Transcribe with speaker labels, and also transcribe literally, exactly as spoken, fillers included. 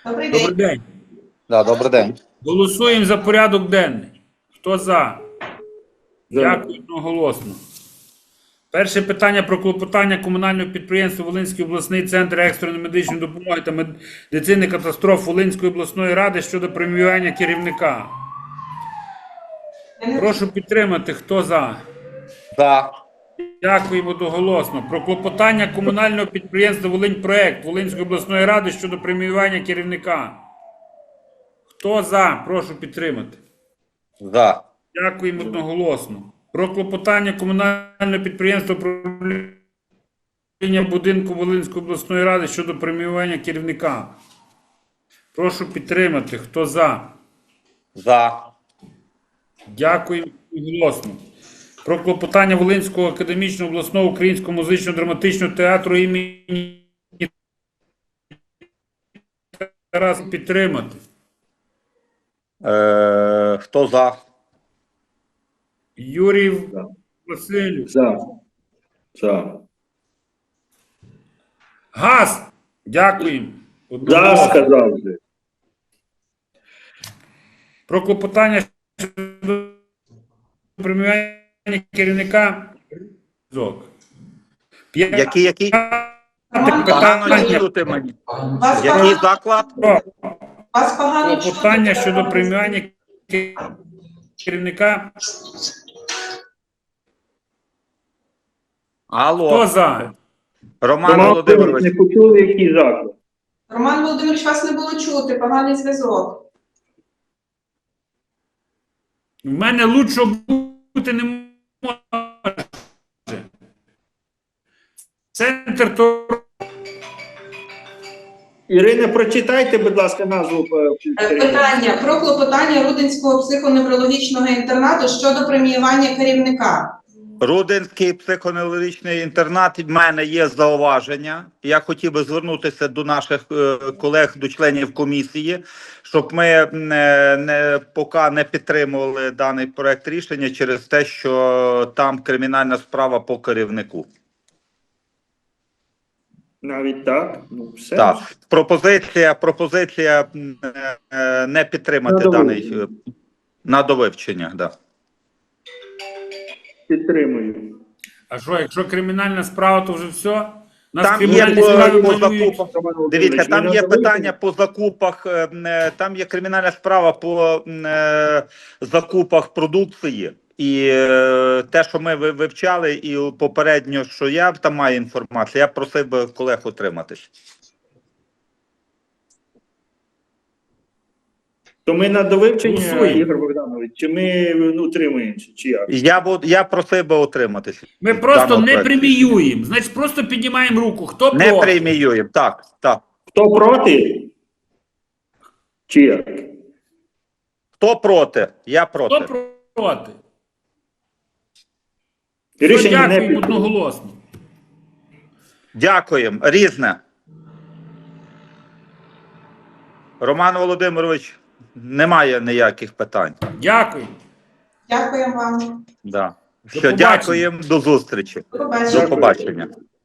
Speaker 1: Добрий
Speaker 2: Добрий
Speaker 1: день.
Speaker 2: день.
Speaker 3: Да, добрий день.
Speaker 2: Голосуємо за порядок денний. Хто за?
Speaker 4: За.
Speaker 2: Дякую одноголосно. Перше питання про клопотання комунального підприємства Волинський обласний центр екстреної медичної допомоги та медицини катастроф Волинської обласної ради щодо преміювання керівника. Прошу підтримати. Хто за?
Speaker 3: За.
Speaker 2: Дякуємо одноголосно. Про клопотання комунального підприємства Волиньпроект Волинської обласної ради щодо преміювання керівника. Хто за? Прошу підтримати.
Speaker 3: За.
Speaker 2: Дякуємо одноголосно. Про клопотання комунального підприємства управління будинку Волинської обласної ради щодо преміювання керівника. Прошу підтримати. Хто за?
Speaker 3: За.
Speaker 2: Дякуємо одноголосно. Про клопотання Волинського академічного обласного українського музично-драматичного театру імені Тараса підтримати.
Speaker 3: Е, хто за?
Speaker 2: Юрій Васильович.
Speaker 4: За. За.
Speaker 2: Газ. Дякуємо.
Speaker 4: За,
Speaker 2: Одноголосно.
Speaker 4: сказав вже.
Speaker 2: Про клопотання щодо преміювання керівника. Зок.
Speaker 3: Який, який?
Speaker 1: Роман,
Speaker 3: Погано
Speaker 2: Питання
Speaker 3: чути мені.
Speaker 1: Вас
Speaker 3: Який
Speaker 1: погано,
Speaker 3: заклад?
Speaker 2: про
Speaker 1: вас погано чути.
Speaker 2: клопотання щодо преміювання керівника.
Speaker 3: Алло.
Speaker 2: Хто за?
Speaker 3: Роман
Speaker 4: Роман
Speaker 3: Володимирович.
Speaker 4: не почули, який заклад.
Speaker 1: Роман Володимирович, вас не було чути, поганий зв'язок.
Speaker 2: В мене лучшого бути не може. Центр то
Speaker 4: Ірина, прочитайте, будь ласка, назву.
Speaker 1: Е, Питання про клопотання Рудинського психоневрологічного інтернату щодо преміювання керівника.
Speaker 3: Рудинський психоневрологічний інтернат. В мене є зауваження. Я хотів би звернутися до наших е, колег, до членів комісії, щоб ми не, не, поки не підтримували даний проект рішення через те, що там кримінальна справа по керівнику.
Speaker 4: Навіть так? Ну, все.
Speaker 3: Так, пропозиція, пропозиція е, е, не підтримати
Speaker 4: На
Speaker 3: даний
Speaker 4: довивчення.
Speaker 3: е, на довивчення. Да.
Speaker 4: Підтримую.
Speaker 2: а що, якщо кримінальна справа, то вже все? У нас
Speaker 3: Там є
Speaker 2: кримінальні
Speaker 3: по,
Speaker 2: справи
Speaker 3: по
Speaker 2: малюють.
Speaker 3: закупах.
Speaker 4: Роман Володимирович,
Speaker 3: Дивіться, там
Speaker 4: ви
Speaker 3: є
Speaker 4: надали
Speaker 3: питання по закупах. е, е, Там є кримінальна справа по е, закупах продукції. І е, те, що ми ви- вивчали, і попередньо, що я там маю інформацію, я просив би колег утриматись.
Speaker 4: То ми на довивчення,
Speaker 2: Голосуємо.
Speaker 4: Ігор Богданович, чи ми ну, утримуємося, чи як?
Speaker 3: Я бу- я просив би утриматись.
Speaker 2: Ми
Speaker 3: від
Speaker 2: просто
Speaker 3: даного
Speaker 2: не
Speaker 3: проекту.
Speaker 2: преміюємо. Значить, просто піднімаємо руку. Хто
Speaker 3: Не
Speaker 2: проти?
Speaker 3: преміюємо. Так, так.
Speaker 4: Хто проти? Чи як?
Speaker 3: Хто проти? Я проти.
Speaker 2: Хто проти?
Speaker 4: Рішення не
Speaker 2: Дякуємо
Speaker 4: підтримано.
Speaker 2: одноголосно.
Speaker 3: Дякуємо. Різне. Роман Володимирович, немає ніяких питань.
Speaker 2: Дякую.
Speaker 1: Дякуємо вам.
Speaker 3: Да. Все,
Speaker 2: побачення.
Speaker 3: дякуємо. До зустрічі.
Speaker 1: До побачення.
Speaker 3: До побачення.